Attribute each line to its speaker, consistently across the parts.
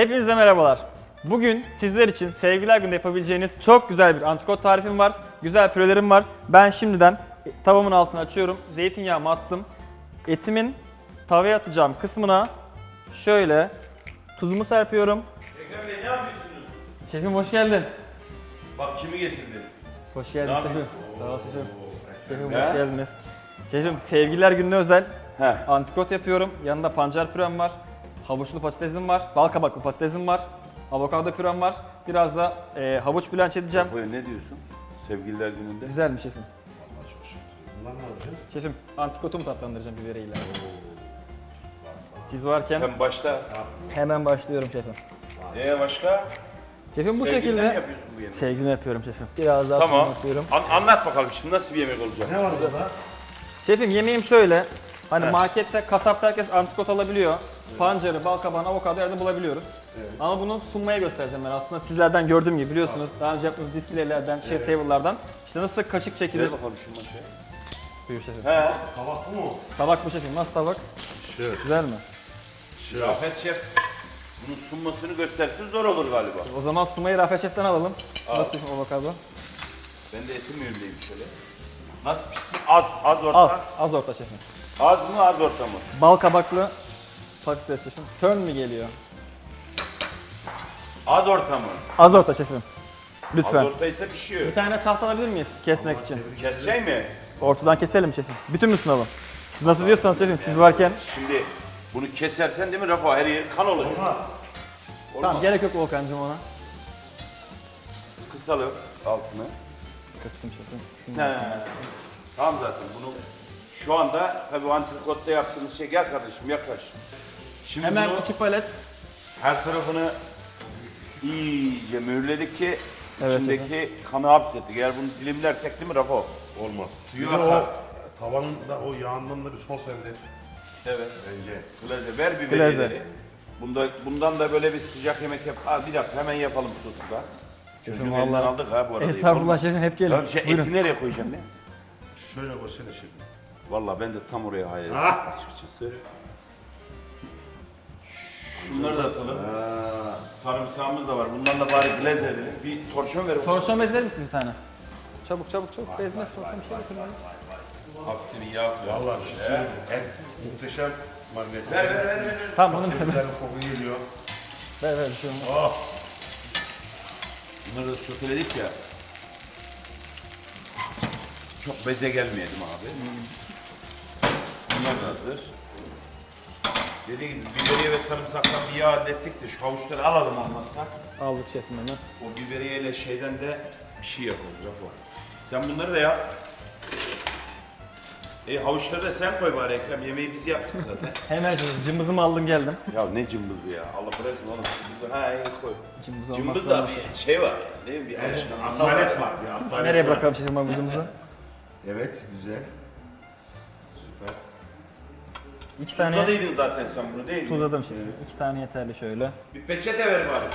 Speaker 1: Hepinize merhabalar. Bugün sizler için Sevgililer Günü'nde yapabileceğiniz çok güzel bir antrikot tarifim var. Güzel pürelerim var. Ben şimdiden tavamın altını açıyorum. Zeytinyağımı attım. Etimin tavaya atacağım kısmına şöyle tuzumu serpiyorum.
Speaker 2: Ekrem Bey ne yapıyorsunuz?
Speaker 1: Şefim hoş geldin.
Speaker 2: Bak kimi getirdin?
Speaker 1: Hoş geldin
Speaker 2: Ne
Speaker 1: şefim.
Speaker 2: yapıyorsun?
Speaker 1: Sağ ol şefim. Şefim
Speaker 2: Ne?
Speaker 1: hoş geldiniz. Şefim Sevgililer Günü'ne özel
Speaker 2: He.
Speaker 1: antrikot yapıyorum. Yanında pancar pürem var. Havuçlu patatesim var. Bal kabaklı patatesim var. Avokado pürem var. Biraz da havuç blanç edeceğim.
Speaker 2: Rafael ne diyorsun? Sevgililer gününde.
Speaker 1: Güzel mi şefim?
Speaker 3: Bunlar ne olacak?
Speaker 1: Şefim antrikotumu tatlandıracağım biberiyle. Siz varken
Speaker 2: Sen başla.
Speaker 1: hemen başlıyorum şefim.
Speaker 2: Başka?
Speaker 1: Şefim bu
Speaker 2: Sevgililer mi
Speaker 1: şekilde
Speaker 2: yapıyorsun bu yemeği?
Speaker 1: sevgilini yapıyorum şefim. Biraz daha
Speaker 2: Tamam.
Speaker 1: tuzunu atıyorum.
Speaker 2: Anlat bakalım şimdi nasıl bir yemek olacak?
Speaker 3: Ne var burada?
Speaker 1: Şefim yemeğim şöyle. Hani markette, kasapta herkes antrikot alabiliyor. Pancarı, bal kabağını, avokado yerde bulabiliyoruz. Ama bunu sunmaya göstereceğim ben aslında sizlerden gördüğüm gibi biliyorsunuz. Daha önce yaptığımız displaylerden, chef table'lardan. İşte nasıl kaşık çekilir.
Speaker 2: Ver bakalım şu maşaya.
Speaker 1: Buyur şefim.
Speaker 2: He.
Speaker 3: Tabak mı o?
Speaker 1: Tabak bu şefim. Nasıl tabak?
Speaker 3: Şöyle.
Speaker 1: Güzel mi?
Speaker 2: Rafet Şef bunun sunmasını göstersin zor olur galiba.
Speaker 1: O zaman sunmayı Rafet Şef'ten alalım. Nasıl şefim avokado?
Speaker 2: Ben de etim mühürleyeyim şöyle. Nasıl pişsin? Az orta.
Speaker 1: Az orta şefim.
Speaker 2: Az mı az orta mı?
Speaker 1: Bal kabaklı patates şefim. Turn mi geliyor?
Speaker 2: Az orta mı?
Speaker 1: Az orta şefim.
Speaker 2: Az
Speaker 1: Lütfen.
Speaker 2: orta ise pişiyor.
Speaker 1: Bir tane tahta alabilir miyiz kesmek için?
Speaker 2: Kesecek mi?
Speaker 1: Ortadan keselim şefim. Bütün mü sunalım? Siz nasıl diyorsanız şefim, siz varken.
Speaker 2: Şimdi bunu kesersen değil mi Rafa? Her yer kan olacak.
Speaker 3: Olmaz.
Speaker 1: Tamam gerek yok Volkan'cığım ona.
Speaker 2: Kısalım altını.
Speaker 1: Kıstım şefim.
Speaker 2: He. Tamam zaten bunu şu anda tabii antrikotta yaptığımız şey, gel kardeşim yaklaş. Şimdi
Speaker 1: Hemen
Speaker 2: bunu
Speaker 1: 2 palet.
Speaker 2: her tarafını iyice mühürledik ki
Speaker 1: Evet,
Speaker 2: içindeki kanı hapsettik. Eğer bunu dilimlersek değil mi Rafa?
Speaker 3: Olmaz.
Speaker 2: Suyu
Speaker 3: Bir de
Speaker 2: akar.
Speaker 3: o tavanın da o yağından da bir sos elde et
Speaker 2: Evet.
Speaker 3: bence.
Speaker 2: Glaze ver
Speaker 1: Glaze.
Speaker 2: biberiyeleri. Bundan da böyle bir sıcak yemek yap. Ha, bir dakika hemen yapalım sosu da. Çocuğun elinden
Speaker 1: vallahi.
Speaker 2: aldık ha bu arada.
Speaker 1: Estağfurullah şefim hep gelin.
Speaker 2: Tamam,
Speaker 1: Buyurun.
Speaker 2: eti nereye koyacağım ben?
Speaker 3: Şöyle koysana şimdi.
Speaker 2: Vallahi ben de tam oraya hayal ettim
Speaker 3: Ah!
Speaker 2: açıkçası. Şunları da atalım. Sarımsağımız da var. Bundan da bari glaze edelim. Bir torşon ver.
Speaker 1: Torşon bezer misin bir tane? Çabuk çabuk çabuk. Bezmez torşon bir şey getirin.
Speaker 2: Hafiften iyi yağ.
Speaker 3: Vallahi bir şey söyleyeyim. Et muhteşem marine.
Speaker 2: Ver.
Speaker 1: Tamam bunu
Speaker 3: Çok güzel bir koku geliyor.
Speaker 1: ver bir şey olmaz.
Speaker 3: Oh!
Speaker 2: Bunları da soteledik ya. Çok beze gelmeyelim abi. Bunlar da hazır. Dediğim gibi biberiye ve sarımsaktan bir yağ hallettik de şu havuçları alalım olmazsa.
Speaker 1: Aldık şefim hemen.
Speaker 2: O biberiye ile şeyden de bir şey yaparız Rafa. Sen bunları da yap. Havuçları da sen koy bari Ekrem. Yemeği biz yaptık zaten.
Speaker 1: Hemen şefim cımbızımı aldım geldim.
Speaker 2: Ya ne cımbızı ya. Allah bırakın oğlum. Ha iyi koy.
Speaker 1: Cımbız
Speaker 2: Cımbız
Speaker 1: olmazsa
Speaker 2: da
Speaker 1: olmaz.
Speaker 2: bir şey var ya. Değil mi? Bir
Speaker 3: Asalet var. Bir asalet
Speaker 1: Nereye
Speaker 3: var.
Speaker 1: bırakalım şefim avucumuzu?
Speaker 3: Evet, güzel. Süper.
Speaker 1: 2 tane
Speaker 2: Tuzladıydın zaten sen bunu değil mi?
Speaker 1: tuzladım şefim. 2 tane yeterli şöyle.
Speaker 2: Bir peçete ver bari.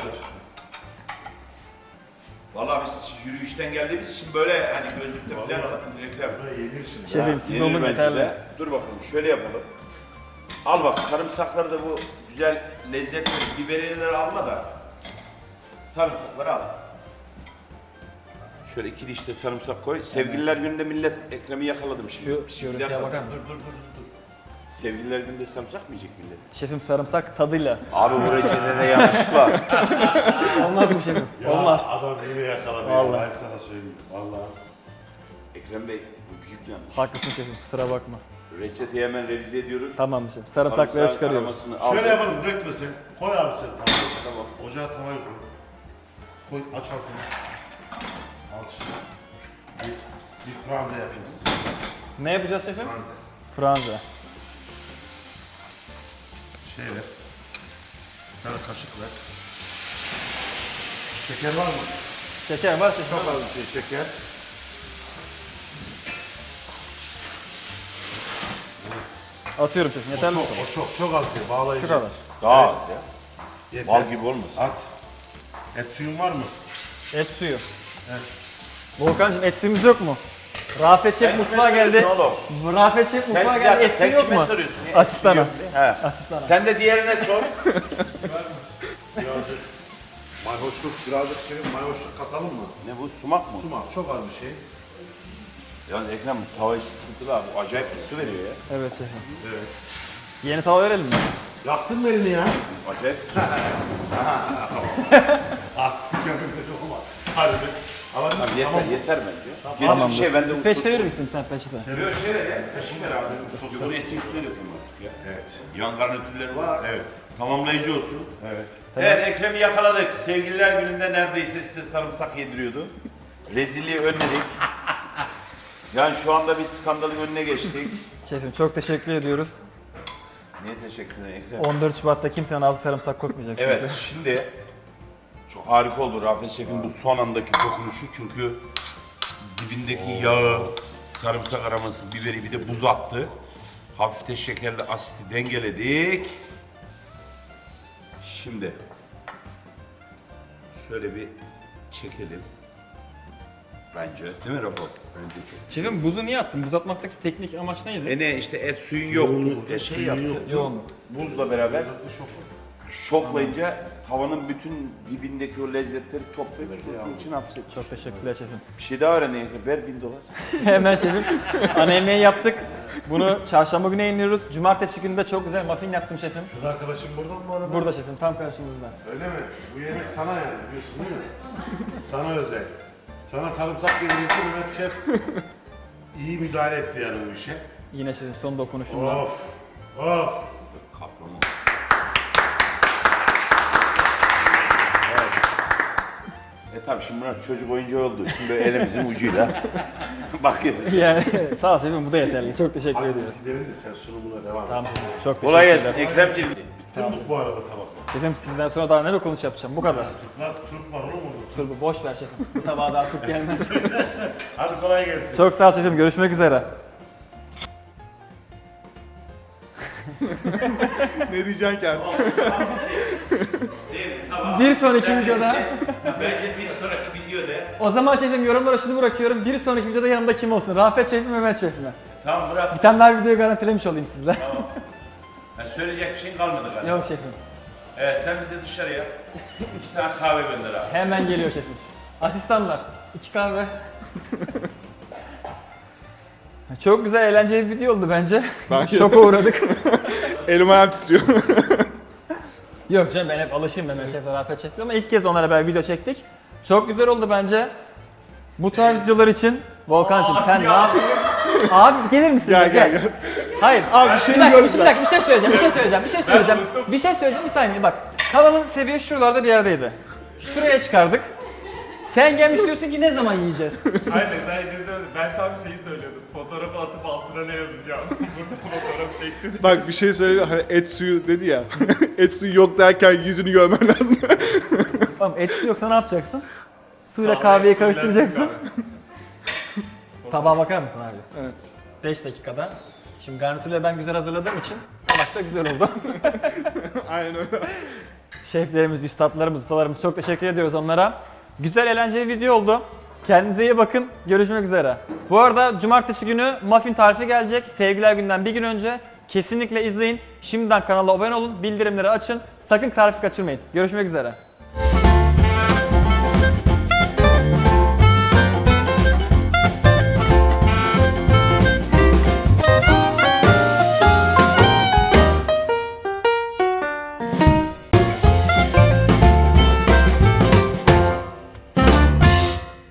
Speaker 2: Vallahi biz yürüyüşten geldiğimiz için böyle hani gözlükte falan alalım Ekrem.
Speaker 3: Bu da yenir şimdi.
Speaker 1: Şefim siz
Speaker 2: Yenir
Speaker 1: olun
Speaker 2: bence
Speaker 1: yeterli.
Speaker 2: de. Dur bakalım şöyle yapalım. Al bak sarımsakları da bu güzel lezzetli biberiyeleri alma da sarımsakları al. Şöyle 2 diş de sarımsak koy. Sevgililer gününde millet Ekrem'i yakaladım şimdi.
Speaker 1: Şu görüntüye
Speaker 2: dakika,
Speaker 1: bakar
Speaker 2: dur,
Speaker 1: mısın?
Speaker 2: dur. Sevgililer gününde sarımsak mı yiyecek millet?
Speaker 1: Şefim sarımsak tadıyla.
Speaker 2: Abi bu reçetede yanlış var.
Speaker 1: Olmaz mı şefim?
Speaker 3: Ya,
Speaker 1: Olmaz.
Speaker 3: adam beni yakaladı.
Speaker 1: Vallahi.
Speaker 3: Ben sana söyleyeyim. Vallahi.
Speaker 2: Ekrem Bey bu büyük yanlış.
Speaker 1: Haklısın şefim kusura bakma.
Speaker 2: Reçeteyi hemen revize ediyoruz.
Speaker 1: Tamam şefim. Sarımsakları
Speaker 2: Sarımsağın
Speaker 1: çıkarıyoruz.
Speaker 2: aromasını al.
Speaker 3: Şöyle yapalım, dökme sen. Koy abi sen.
Speaker 2: Tamam.
Speaker 3: Ocağa tavayı koy. Koy, aç altını. Al şimdi. Bir franze yapayım size.
Speaker 1: Ne yapacağız şefim?
Speaker 3: Franze.
Speaker 1: Franza.
Speaker 3: Şey ver. Bir tane kaşık ver. Şeker var mı?
Speaker 1: Şeker var şefim.
Speaker 3: Çok az bir şey şeker.
Speaker 1: Atıyorum şefim. Yeterli mi?
Speaker 3: Çok az bir bağlayıcı.
Speaker 1: Şu kadar.
Speaker 2: Daha az ya.
Speaker 3: Yeter.
Speaker 2: Bal gibi olmasın.
Speaker 3: At. Et suyun var mı?
Speaker 1: Et suyu. Volkan'cığım et suyumuz yok mu? Rafet Şef mutfağa geldi. Rafet Şef mutfağa
Speaker 2: bir
Speaker 1: geldi.
Speaker 2: dakika,
Speaker 1: Et suyu
Speaker 2: sen
Speaker 1: yok
Speaker 2: kime
Speaker 1: mu?
Speaker 2: soruyorsun ya?
Speaker 1: Asistana.
Speaker 2: He.
Speaker 1: Asistana.
Speaker 2: Sen de diğerine sor.
Speaker 3: Birazcık mayhoşluk, birazcık mayhoşluk katalım mı?
Speaker 2: Ne bu, sumak mı?
Speaker 3: Sumak çok az bir şey.
Speaker 2: Yalnız Ekrem tava işi sıkıntılı abi. Bu acayip ısı veriyor ya.
Speaker 1: Evet şefim.
Speaker 3: Evet.
Speaker 1: Yeni tava verelim mi?
Speaker 3: Yaktın mı elini ya?
Speaker 2: Acayip.
Speaker 3: Artistik yapayım da çok ama. Harbi. Ama
Speaker 2: Tamam, yeter,
Speaker 3: tamam.
Speaker 2: yeter bence.
Speaker 3: Tamam.
Speaker 2: Tamam. Şey bende
Speaker 1: Peçete verir misin sen peçete?
Speaker 2: Yok şey ver ya. Kaşık ver abi. Bunu eti üstüne dökeyim artık ya.
Speaker 3: Evet.
Speaker 2: Yan garnitürleri var.
Speaker 3: Evet.
Speaker 2: Tamamlayıcı olsun.
Speaker 3: Evet.
Speaker 2: Evet, Ekrem'i yakaladık. Sevgililer gününde neredeyse size sarımsak yediriyordu. Rezilliği önledik. Yani şu anda bir skandalın önüne geçtik.
Speaker 1: Şefim çok teşekkür ediyoruz.
Speaker 2: Niye teşekkür ederim Ekrem?
Speaker 1: 14 Şubat'ta kimsenin ağzı sarımsak kokmayacak.
Speaker 2: Evet, şimdi çok harika oldu Rafet Şef'in bu son andaki dokunuşu çünkü dibindeki yağı, sarımsak aroması, biberi bir de buz attı. Hafif de şekerli asiti dengeledik. Şimdi şöyle bir çekelim. Bence. Değil mi Rafa? Bence çok.
Speaker 1: Şefim buzu niye attın? Buz atmaktaki teknik amaç neydi?
Speaker 2: Ne işte et suyun yoktu. Şey yaptı.
Speaker 1: Yoğunluk.
Speaker 2: Buzla beraber şoklayınca tavanın bütün dibindeki o lezzetleri toplayıp sosun için hapsetmiş.
Speaker 1: Çok teşekkürler şefim.
Speaker 2: Bir şey daha öğrendin. Ver $1000.
Speaker 1: Hemen şefim. Ana yemeği yaptık. Bunu çarşamba günü yayınlıyoruz. Cumartesi günü de çok güzel muffin yaptım şefim.
Speaker 3: Kız arkadaşım burada mı bu arada?
Speaker 1: Burada şefim tam karşımızda.
Speaker 3: Öyle mi? Bu yemek sana yani biliyorsun değil mi? Sana özel. Sana sarımsak yedirildi Mehmet Şef. İyi müdahale etti yani bu işe.
Speaker 1: Yine şefim son dokunuşumla.
Speaker 3: Of. Of.
Speaker 2: Kaplama. Tabii şimdi bunlar çocuk oyuncağı olduğu için böyle elimizin ucuyla bakıyoruz.
Speaker 1: Yani sağ ol şefim bu da yeterli. Çok teşekkür
Speaker 3: Hadi
Speaker 1: ediyoruz.
Speaker 3: biz gidelim de sen sunumuna devam et.
Speaker 1: Tamam şefim, çok
Speaker 2: Kolay
Speaker 1: teşekkürler.
Speaker 2: gelsin Ekremciğim.
Speaker 3: Bitti mi bu arada tabaklar?
Speaker 1: Şefim sizden sonra daha ne dokunuş yapacağım bu kadar.
Speaker 3: Turp var oğlum orada.
Speaker 1: Turbu boş ver şefim. Bu tabağa daha turp gelmez.
Speaker 3: Hadi kolay gelsin.
Speaker 1: Çok sağ ol şefim görüşmek üzere.
Speaker 4: Ne diyeceksin ki artık?
Speaker 1: Bir sonraki videoda.
Speaker 2: Bence bir sonraki videoda.
Speaker 1: O zaman şefim yorumlara şunu bırakıyorum. Bir sonraki videoda yanımda kim olsun? Rafet şefim, Mehmet şefim mi?
Speaker 2: Tamam bırak.
Speaker 1: Bir tane daha videoyu garantilemiş olayım sizle.
Speaker 2: Yani söyleyecek bir şey kalmadı galiba.
Speaker 1: Yok şefim.
Speaker 2: Evet sen bize dışarıya 2 tane kahve gönder abi.
Speaker 1: Hemen geliyor şefim. Asistanlar. 2 kahve. Çok güzel eğlenceli bir video oldu bence.
Speaker 4: Bence de.
Speaker 1: Şoka uğradık.
Speaker 4: Elim ayağım titriyor.
Speaker 1: Yok canım ben hep alışayım Mehmet Şef'le Rafet Şef'le ama ilk kez onlara beraber video çektik. Çok güzel oldu bence. Bu tarz videolar için Volkan'cığım sen ne yapıyorsun? Abi gelir misin?
Speaker 4: Gel.
Speaker 1: Hayır.
Speaker 4: Abi bir şey
Speaker 1: Bir dakika,
Speaker 4: gördüm
Speaker 1: bir dakika, bir şey söyleyeceğim, bir şey söyleyeceğim, bir saniye bak. Tavamın seviye şuralarda bir yerdeydi. Şuraya çıkardık. Sen gelmiş diyorsun ki ne zaman yiyeceğiz?
Speaker 5: Aynen sen izledin. Ben tam şeyi söylüyordum. Fotoğrafı atıp altına ne yazacağım? Burada fotoğraf çektim.
Speaker 4: Bak bir şey söyleyeyim. Hani et suyu dedi ya. Et suyu yok derken yüzünü görmen lazım.
Speaker 1: Tamam etsi yoksa ne yapacaksın? Suyla kahveyi karıştıracaksın. Tabağa bakar mısın abi?
Speaker 4: Evet.
Speaker 1: 5 dakikada. Şimdi garnitürleri ben güzel hazırladığım için tabak da güzel oldu.
Speaker 4: Aynen öyle.
Speaker 1: Şeflerimiz, üstadlarımız, ustalarımız çok teşekkür ediyoruz onlara. Güzel eğlenceli video oldu. Kendinize iyi bakın. Görüşmek üzere. Bu arada cumartesi günü muffin tarifi gelecek. Sevgiler günden bir gün önce. Kesinlikle izleyin. Şimdiden kanala abone olun. Bildirimleri açın. Sakın tarifi kaçırmayın. Görüşmek üzere.